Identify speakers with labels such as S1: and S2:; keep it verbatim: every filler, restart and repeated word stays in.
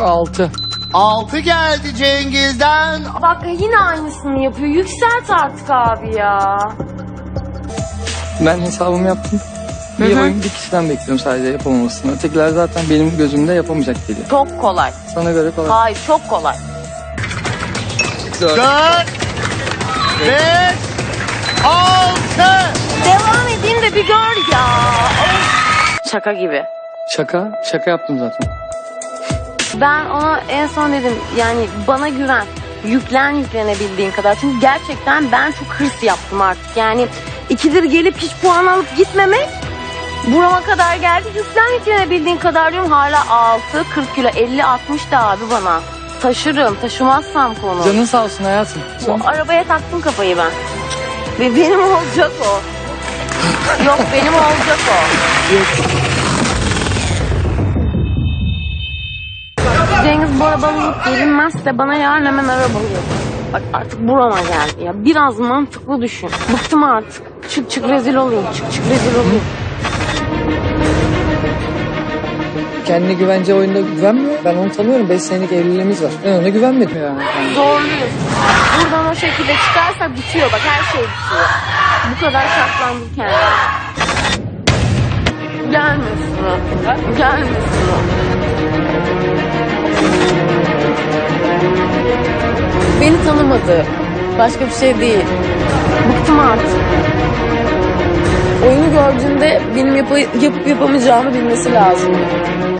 S1: Altı.
S2: Altı geldi Cengiz'den.
S3: Bak yine aynısını yapıyor. Yükselt artık abi ya.
S1: Ben hesabımı yaptım. Bir
S3: Hı hı.
S1: oyun bir kişiden bekliyorum sadece yapamamasını. Ötekiler zaten benim gözümde yapamayacak geliyor.
S3: Çok kolay.
S1: Sana göre kolay.
S3: Hayır çok kolay.
S1: Dört.
S2: Dört. Beş. Altı.
S3: Devam edeyim de bir gör ya. Şaka gibi.
S1: Şaka. Şaka yaptım zaten.
S3: Ben ona en son dedim yani bana güven. Yüklen yüklenebildiğin kadar. Çünkü gerçekten ben çok hırs yaptım artık. Yani ikidir gelip hiç puan alıp gitmemek burama kadar geldi. Yüklen yüklenebildiğin kadar diyorum. Hala altı, kırk kilo, elli, altmış da abi bana. Taşırım. Taşımazsam konu.
S1: Canın sağ olsun hayatım.
S3: Bu arabaya taktım kafayı ben. Ve benim olacak o. Yok benim olacak o. Cengiz bu arabanın alıp gelinmezse bana yarın hemen arabayı yap. Bak artık burama geldi ya. Biraz mantıklı düşün. Bıktım artık. Çık çık rezil olayım. Çık çık rezil olayım.
S1: Kendine güvence oyunda güvenmiyor. Ben onu tanıyorum. Beş senelik evliliğimiz var. Ben ona güvenmedim yani.
S3: Zorluyuz. Buradan o şekilde çıkarsa bitiyor. Bak her şey bitiyor. Bu kadar şartlandım kendime. Gelmesin o. Gelmesin o. Beni tanımadı. Başka bir şey değil. Bıktım artık. Oyunu gördüğünde benim yap yapıp yapamayacağımı bilmesi lazım.